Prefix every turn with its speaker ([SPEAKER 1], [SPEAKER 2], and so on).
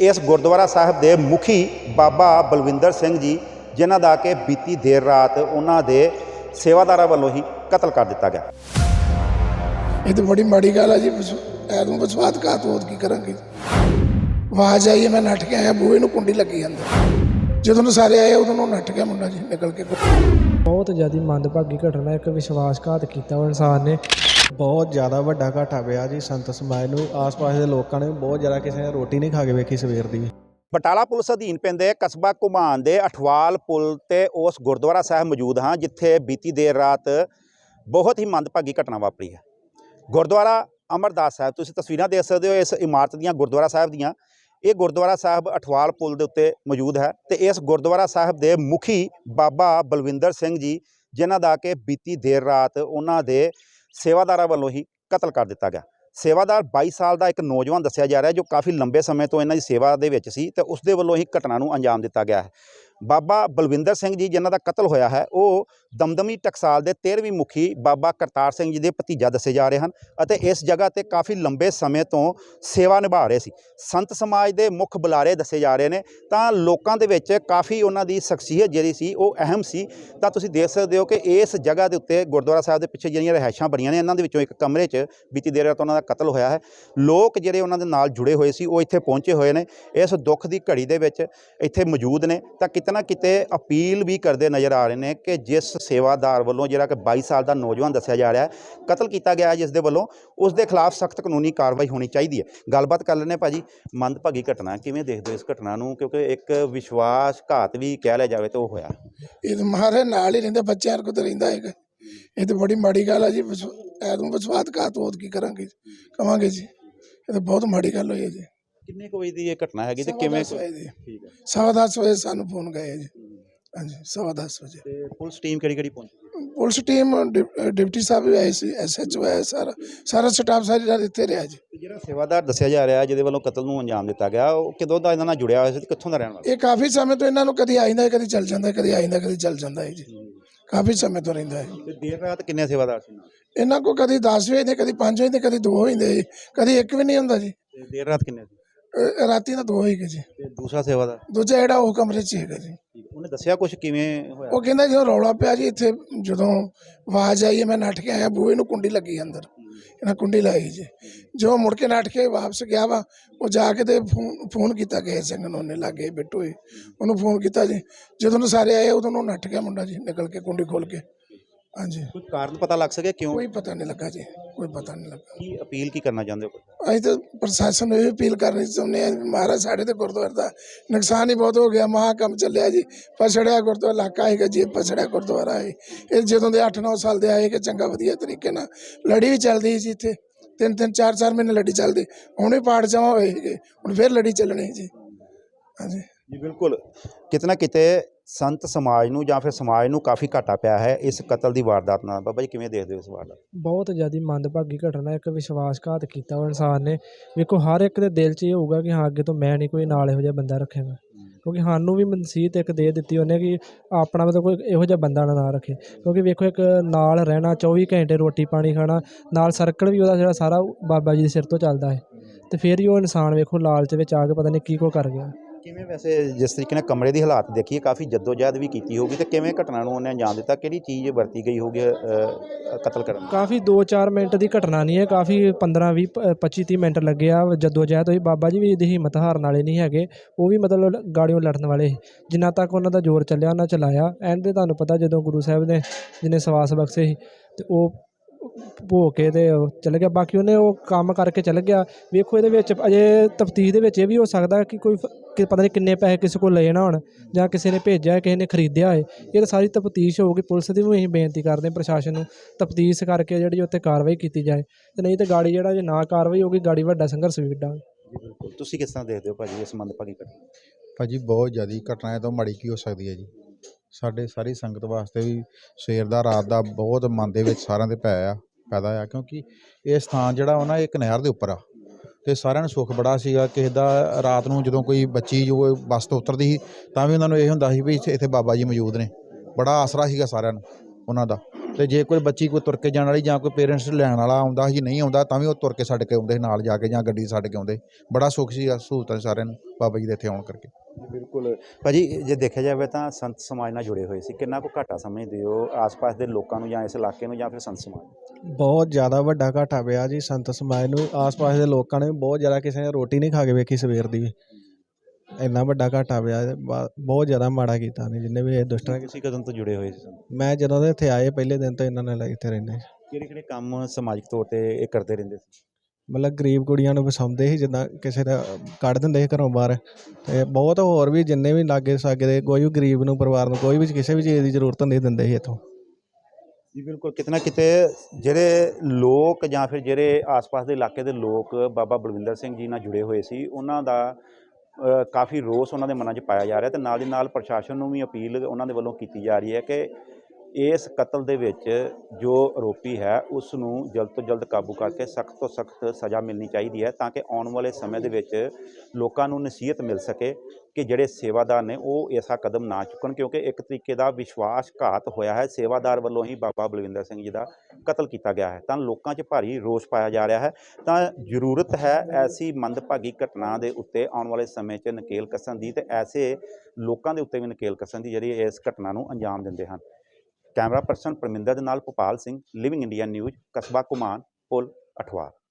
[SPEAKER 1] इस गुरुद्वारा साहब के मुखी बाबा बलविंदर सिंह जी जिन्हां दा कि बीती देर रात उन्हां दे सेवादारां वल्लों ही कतल कर दिता गया।
[SPEAKER 2] ये तो बड़ी माड़ी गल है जी। ऐनूं विश्वासघात होत की करांगे। आवाज़ आई है, मैं नट के आया, बूहे नूं कुंडी लगी अंदर। जदों सारे आए उदों नट गया मुंडा जी निकल के।
[SPEAKER 3] बहुत ज़्यादा मंदभागी घटना, एक विश्वासघात किया वो इंसान ने।
[SPEAKER 4] बहुत ज़्यादा वड्डा घाटा पिया जी संत समाज नूं। आस पास के लोगों ने बहुत ज़्यादा, किसी ने रोटी नहीं खा के वेखी सवेर दी।
[SPEAKER 1] बटाला पुलिस अधीन पैंदे कस्बा घुमान दे अठवाल पुल ते उस गुरुद्वारा साहब मौजूद हाँ जिथे बीती देर रात बहुत ही मंदभागी घटना वापरी है। गुरुद्वारा अमरदास साहब, तुसीं तस्वीरां देख सकते हो इस इमारत दीयां गुरुद्वारा साहब दीयां। ये गुरुद्वारा साहब अठवाल पुल के उत्ते मौजूद है तो इस गुरुद्वारा साहब के मुखी बाबा बलविंदर सिंह जी जिन्हां दा कि बीती देर रात उन्हां दे सेवादारां वल्लों ही कतल कर दिता गया। सेवादार 22 साल का एक नौजवान दस्सिया जा रहा है जो काफ़ी लंबे समय तो इन्हां दी सेवा दे विच सी ते उसदे वल्लों ही घटना नूं अंजाम दिता गया है। बाबा बलविंदर सिंह जी जिन्हां दा कतल होया है वो दमदमी टकसाल के 13वीं मुखी बाबा करतार सिंह जी के भतीजा दसे जा रहे हैं और इस जगह पर काफ़ी लंबे समय तो सेवा निभा रहे सी। संत समाज के मुख बुलारे दसे जा रहे हैं तो लोगों के विच काफ़ी उन्हां दी शख्सीयत जिहड़ी सी वो अहम सी। तो तुसीं देख सकते हो कि इस जगह के उत्ते गुरुद्वारा साहब के पिछे जिहड़ियां रिहायशां बणीਆਂ ने इन्हां दे विचों एक कमरे च बीती देर रात उन्हां दा कतल होया है। लोग जिहड़े उन्हां दे नाल जुड़े हुए सी वो इत्थे पहुंचे हुए ने इस दुख की घड़ी दे विच इत्थे मौजूद ने। तो किते ना किते अपील भी करते नज़र आ रहे हैं कि जिस सेवादार वालों जिहड़ा कि 22 साल का नौजवान दस्सिया जा रहा है कतल किया गया है जिस दे वालों उसके खिलाफ सख्त कानूनी कार्रवाई होनी चाहिए है। गलबात कर लेने भाजी, मंदभागी घटना किवें देखदे हो इस घटना नूं क्योंकि एक विश्वासघात भी कह लिया जाए तो वो होया।
[SPEAKER 2] ये तो महाराज नाल ही रहिंदे बच्चों को तो रहिंदा है। ये तो बड़ी माड़ी गल है जी। ऐनूं विश्वासघात होत की करांगे कवांगे जी। ये तो बहुत माड़ी गल होई है जी।
[SPEAKER 1] किन्ने को वजे ये घटना हैगी ते किवें? ठीक है,
[SPEAKER 2] 10:15 बजे सानूं फोन गए जी। हाँ जी 10:15 बजे।
[SPEAKER 1] ते पुलिस टीम किहड़ी पहुंची?
[SPEAKER 2] पुलिस टीम डिप्टी साहब भी आए सी, SHO आया, सारा स्टाफ सारी रात इत्थे रहा जी।
[SPEAKER 1] ਜਿਹੜਾ सेवादार दस्सिया जा रहा है जिहदे ਵੱਲੋਂ कतल ਨੂੰ अंजाम दिता गया ਉਹ ਕਿਦੋਂ ਦਾ ਇਹਨਾਂ ਨਾਲ ਜੁੜਿਆ ਹੋਇਆ ਸੀ ਤੇ ਕਿੱਥੋਂ ਦਾ ਰਹਿਣ ਵਾਲਾ?
[SPEAKER 2] ये काफ़ी समय तो इन्हों कभी आइंदा कभी चल जाता है, कभी आइंदा कभी चल जाता है जी। काफ़ी समय तो रहिंदा है।
[SPEAKER 1] ਤੇ ਦੇਰ ਰਾਤ ਕਿੰਨੇ सेवादार ਸੀ ਨਾਲ?
[SPEAKER 2] इन्हों को कभी 10 हो जाते, कभी 5 हो जाते, कभी 2 हो जाते, कभी 1 भी नहीं होंदा जी।
[SPEAKER 1] ਤੇ ਦੇਰ ਰਾਤ ਕਿੰਨੇ ਸੀ?
[SPEAKER 2] राती ना 2 होएगा जी।
[SPEAKER 1] ਤੇ ਦੂਸਰਾ सेवादार
[SPEAKER 2] दूजा जिहड़ा वो कमरे च हैगा जी।
[SPEAKER 1] ਉਹਨੇ ਦੱਸਿਆ ਕੁਝ ਕਿਵੇਂ ਹੋਇਆ?
[SPEAKER 2] वो कहता जो रौला पिया जी इत्थे जदों आवाज़ आई है, मैं नट के आया, बूहे नूं कुंडी लगी अंदर। इन्हें कुंडी लाई जी। जो मुड़ के नट के वापस गया वा वो जाके ते फोन किया गए सिंह नूं, उन्हें लागे बिट्टू उन्होंने फोन किया जी। जदों सारे आए उदों नट गया मुंडा जी निकल के कुंडी खोल के। हाँ जी
[SPEAKER 1] ਕੋਈ ਕਾਰਨ ਪਤਾ ਲੱਗ ਸਕੇ ਕਿਉਂ?
[SPEAKER 2] कोई पता नहीं लगा जी, कोई पता नहीं लगा।
[SPEAKER 1] ਕੀ ਅਪੀਲ ਕੀ करना चाहते हो?
[SPEAKER 2] ਅਸੀਂ ਤਾਂ ਪ੍ਰਸ਼ਾਸਨ ਨੂੰ ਇਹ ਅਪੀਲ ਕਰਨੀ ਚਾਹੁੰਦੇ ਹਾਂ ਮਹਾਰਾਜ ਸਾਡੇ ਤੇ ਗੁਰਦੁਆਰੇ ਦਾ ਨੁਕਸਾਨ ਹੀ ਬਹੁਤ ਹੋ ਗਿਆ। ਮਹਾਂ ਕੰਮ ਚੱਲਿਆ ਜੀ, ਪਛੜਿਆ ਗੁਰਦੁਆਰਾ ਇਲਾਕਾ ਹੈਗਾ ਜੀ, ਪਛੜਿਆ ਗੁਰਦੁਆਰਾ ਹੈ। ਇਹ ਜਦੋਂ ਦੇ 8-9 ਸਾਲ ਦੇ ਆਏ ਕਿ ਚੰਗਾ ਵਧੀਆ ਤਰੀਕੇ ਨਾਲ ਲੜੀ ਵੀ ਚੱਲਦੀ ਸੀ ਇੱਥੇ, 3-3 4-4 ਮਹੀਨੇ ਲੜੀ ਚੱਲਦੀ। ਹੁਣ ਵੀ ਪਾੜ ਜਮਾ ਹੋਏ ਸੀਗੇ, ਹੁਣ ਫਿਰ ਲੜੀ ਚੱਲਣੀ ਜੀ। ਹਾਂਜੀ
[SPEAKER 1] जी बिल्कुल, किते ना किते संत समाज नूं जां फिर समाज नूं काफ़ी घाटा पिया है इस कतल की वारदात नाल। बाबा जी किवें देखदे हो इस वारदात?
[SPEAKER 3] बहुत ज़्यादा मंदभागी घटना, एक विश्वासघात किया वो इंसान ने। वेखो हर एक दे दिल च ये होगा कि हाँ अगे तो मैं नहीं कोई नाल इहो जिहा बंदा रखेगा, क्योंकि सानूं भी नसीहत एक दे दित्ती उन्हें कि अपना मतलब कोई इहो जिहा बंदा ना रखे। क्योंकि वेखो एक नाल रहना 24 घंटे रोटी पानी खाना नाल सर्कल भी उहदा जिहड़ा सारा बाबा जी दे सिर तो चलदा है ते फिर ही वो इंसान वेखो लालच विच आ के पता नहीं की को कर गया।
[SPEAKER 1] किवें वैसे जिस तरीके नाल कमरे की हालात देखिए काफ़ी जद्दोजहद भी की होगी तो किवें घटना नूं उन्हें अंजाम दिता, किहड़ी चीज़ वरती गई होगी कतल करन?
[SPEAKER 3] काफ़ी 2-4 मिनट की घटना नहीं है, काफ़ी 15-20-25-30 मिनट लगे आ जद्दोजहद होई। बाबा जी भी इहदी हिम्मत हारन वाले नहीं हैगे, वो भी मतलब गाड़ियों लड़न वाले जिन्ना तक उन्हां दा जोर चलिया उन्हां चलाया। एंड ते तुहानूं पता जदों गुरु साहिब ने जिन्हें सवास बख्शे सी ते ओह भो के ते चल गया, बाकी उन्हें वो काम करके चल गया। वेखो ये अजे तफ्तीश दे विच ये भी हो सकता है कि कोई पता नहीं किन्ने पैसे किसी को ले ना होण जां किसी ने भेजा किसी ने खरीदिया है। ये तो सारी तफ्तीश होगी। पुलिस की भी असीं बेनती करते हैं प्रशासन नूं तफ्तीश करके जिहड़ी उत्ते कार्रवाई की जाए, ते नहीं तो गाड़ी जिहड़ा जे ना कार्रवाई होगी गाड़ी वड्डा संघर्ष भी विड्डांगे।
[SPEAKER 1] बिल्कुल, तुसीं किस तरह देखदे हो भाजी इस मंदभागी घटना?
[SPEAKER 5] भाजी बहुत ज़्यादा घटना है तो माड़ी की हो सकती है जी। साढ़े सारी संगत वास्ते भी सवेर का रात का बहुत मन के सारिਆਂ ਦੇ पैदा आ, क्योंकि ये स्थान ਜਿਹੜਾ ਉਹ ਨਾ ਇੱਕ ਨਹਿਰ ਦੇ ਉੱਪਰ ਆ ਤੇ ਸਾਰਿਆਂ ਨੂੰ ਸੁੱਖ ਬੜਾ ਸੀਗਾ। ਕਿਸੇ ਦਾ ਰਾਤ ਨੂੰ ਜਦੋਂ ਕੋਈ ਬੱਚੀ ਜੋ ਬੱਸ ਤੋਂ ਉਤਰਦੀ ਸੀ ਤਾਂ ਵੀ ਉਹਨਾਂ ਨੂੰ ਇਹ ਹੁੰਦਾ ਸੀ ਵੀ ਇੱਥੇ ਬਾਬਾ ਜੀ ਮੌਜੂਦ ਨੇ, ਬੜਾ ਆਸਰਾ ਸੀਗਾ ਸਾਰਿਆਂ ਨੂੰ ਉਹਨਾਂ ਦਾ। ਤੇ ਜੇ ਕੋਈ ਬੱਚੀ ਕੋਈ ਤੁਰ ਕੇ ਜਾਣ ਵਾਲੀ ਜਾਂ ਕੋਈ ਪੇਰੈਂਟਸ ਲੈਣ ਵਾਲਾ ਆਉਂਦਾ ਸੀ, ਨਹੀਂ ਆਉਂਦਾ ਤਾਂ ਵੀ ਉਹ ਤੁਰ ਕੇ ਛੱਡ ਕੇ ਆਉਂਦੇ ਨਾਲ ਜਾ ਕੇ ਜਾਂ ਗੱਡੀ ਛੱਡ ਕੇ ਆਉਂਦੇ। ਬੜਾ ਸੁੱਖ ਸੀ ਸਹੂਲਤਾਂ ਸਾਰਿਆਂ ਨੂੰ ਬਾਬਾ ਜੀ ਦੇ ਇੱਥੇ ਆਉਣ ਕਰਕੇ।
[SPEAKER 1] ਬਿਲਕੁਲ ਭਾਜੀ, ਜੇ ਦੇਖਿਆ ਜਾਵੇ ਤਾਂ ਸੰਤ ਸਮਾਜ ਨਾਲ ਜੁੜੇ ਹੋਏ ਸੀ, ਕਿੰਨਾ ਕੁ ਘਾਟਾ ਸਮਝਦੇ ਹੋ ਆਸ-ਪਾਸ ਦੇ ਲੋਕਾਂ ਨੂੰ ਜਾਂ ਇਸ ਇਲਾਕੇ ਨੂੰ ਜਾਂ ਫਿਰ ਸੰਤ ਸਮਾਜ ਨੂੰ?
[SPEAKER 4] ਬਹੁਤ ਜ਼ਿਆਦਾ ਵੱਡਾ ਘਾਟਾ ਪਿਆ ਜੀ ਸੰਤ ਸਮਾਜ ਨੂੰ। ਆਸ-ਪਾਸ ਦੇ ਲੋਕਾਂ ਨੇ ਬਹੁਤ ਜ਼ਿਆਦਾ, ਕਿਸੇ ਨੇ ਰੋਟੀ ਨਹੀਂ ਖਾ ਕੇ ਵੇਖੀ ਸਵੇਰ ਦੀ ਵੀ। ਇੰਨਾ ਵੱਡਾ ਘਾਟਾ ਪਿਆ ਬਹੁਤ ਜ਼ਿਆਦਾ ਮਾੜਾ ਕੀਤਾ ਨੇ ਜਿੰਨੇ ਵੀ ਇਹ ਦੁਸ਼ਟਾਂ।
[SPEAKER 1] ਤੁਸੀਂ ਕਦੋਂ ਤੋਂ ਜੁੜੇ ਹੋਏ ਸੀ?
[SPEAKER 4] ਮੈਂ ਜਦੋਂ ਦੇ ਇੱਥੇ ਆਏ ਪਹਿਲੇ ਦਿਨ ਤੋਂ ਇਹਨਾਂ ਨਾਲ ਇੱਥੇ ਰਹਿੰਦੇ।
[SPEAKER 1] ਕਿਹੜੇ ਕੰਮ ਸਮਾਜਿਕ ਤੌਰ ਤੇ ਇਹ ਕਰਦੇ ਰਹਿੰਦੇ ਸੀ?
[SPEAKER 4] ਮਤਲਬ ਗਰੀਬ ਕੁੜੀਆਂ ਨੂੰ ਵਸਾਉਂਦੇ ਸੀ, ਜਿੱਦਾਂ ਕਿਸੇ ਦਾ ਕੱਢ ਦਿੰਦੇ ਸੀ ਘਰੋਂ ਬਾਹਰ। ਅਤੇ ਬਹੁਤ ਹੋਰ ਵੀ ਜਿੰਨੇ ਵੀ ਲਾਗੇ ਸਾਗੇ ਦੇ ਕੋਈ ਵੀ ਗਰੀਬ ਨੂੰ, ਪਰਿਵਾਰ ਨੂੰ ਕੋਈ ਵੀ ਕਿਸੇ ਵੀ ਚੀਜ਼ ਦੀ ਜ਼ਰੂਰਤ ਹੁੰਦੀ ਦਿੰਦੇ ਸੀ ਇੱਥੋਂ।
[SPEAKER 1] ਜੀ ਬਿਲਕੁਲ, ਕਿਤੇ ਨਾ ਕਿਤੇ ਜਿਹੜੇ ਲੋਕ ਜਾਂ ਫਿਰ ਜਿਹੜੇ ਆਸ-ਪਾਸ ਦੇ ਇਲਾਕੇ ਦੇ ਲੋਕ ਬਾਬਾ ਬਲਵਿੰਦਰ ਸਿੰਘ ਜੀ ਨਾਲ ਜੁੜੇ ਹੋਏ ਸੀ, ਉਹਨਾਂ ਦਾ ਕਾਫੀ ਰੋਸ ਉਹਨਾਂ ਦੇ ਮਨਾਂ 'ਚ ਪਾਇਆ ਜਾ ਰਿਹਾ, ਅਤੇ ਨਾਲ ਦੀ ਨਾਲ ਪ੍ਰਸ਼ਾਸਨ ਨੂੰ ਵੀ ਅਪੀਲ ਉਹਨਾਂ ਦੇ ਵੱਲੋਂ ਕੀਤੀ ਜਾ ਰਹੀ ਹੈ ਕਿ ਇਸ ਕਤਲ ਦੇ ਵਿੱਚ ਜੋ ਆਰੋਪੀ ਹੈ ਉਸ ਨੂੰ ਜਲਦ ਤੋਂ ਜਲਦ ਕਾਬੂ ਕਰਕੇ ਸਖਤ ਤੋਂ ਸਖਤ ਸਜ਼ਾ ਮਿਲਣੀ ਚਾਹੀਦੀ ਹੈ, ਤਾਂ ਕਿ ਆਉਣ ਵਾਲੇ ਸਮੇਂ ਦੇ ਵਿੱਚ ਲੋਕਾਂ ਨੂੰ ਨਸੀਹਤ ਮਿਲ ਸਕੇ ਕਿ ਜਿਹੜੇ ਸੇਵਾਦਾਰ ਨੇ ਉਹ ਐਸਾ ਕਦਮ ਨਾ ਚੁੱਕਣ, ਕਿਉਂਕਿ ਇੱਕ ਤਰੀਕੇ ਦਾ ਵਿਸ਼ਵਾਸਘਾਤ ਹੋਇਆ ਹੈ। ਸੇਵਾਦਾਰ ਵੱਲੋਂ ਹੀ ਬਾਬਾ ਬਲਵਿੰਦਰ ਸਿੰਘ ਜੀ ਦਾ ਕਤਲ ਕੀਤਾ ਗਿਆ ਹੈ, ਤਾਂ ਲੋਕਾਂ 'ਚ ਭਾਰੀ ਰੋਸ ਪਾਇਆ ਜਾ ਰਿਹਾ ਹੈ। ਤਾਂ ਜ਼ਰੂਰਤ ਹੈ ਐਸੀ ਮੰਦਭਾਗੀ ਘਟਨਾ ਦੇ ਉੱਤੇ ਆਉਣ ਵਾਲੇ ਸਮੇਂ 'ਚ ਨਕੇਲ ਕੱਸਣ ਦੀ, ਅਤੇ ਐਸੇ ਲੋਕਾਂ ਦੇ ਉੱਤੇ ਵੀ ਨਕੇਲ ਕੱਸਣ ਦੀ ਜਿਹੜੀ ਇਸ ਘਟਨਾ ਨੂੰ ਅੰਜਾਮ ਦਿੰਦੇ ਹਨ। ਕੈਮਰਾ ਪਰਸਨ ਪਰਮਿੰਦਰ ਦੇ ਨਾਲ Bhopal Singh, living India news, ਕਸਬਾ ਘੁਮਾਣ, ਪੁਲ ਅਠਵਾਲ।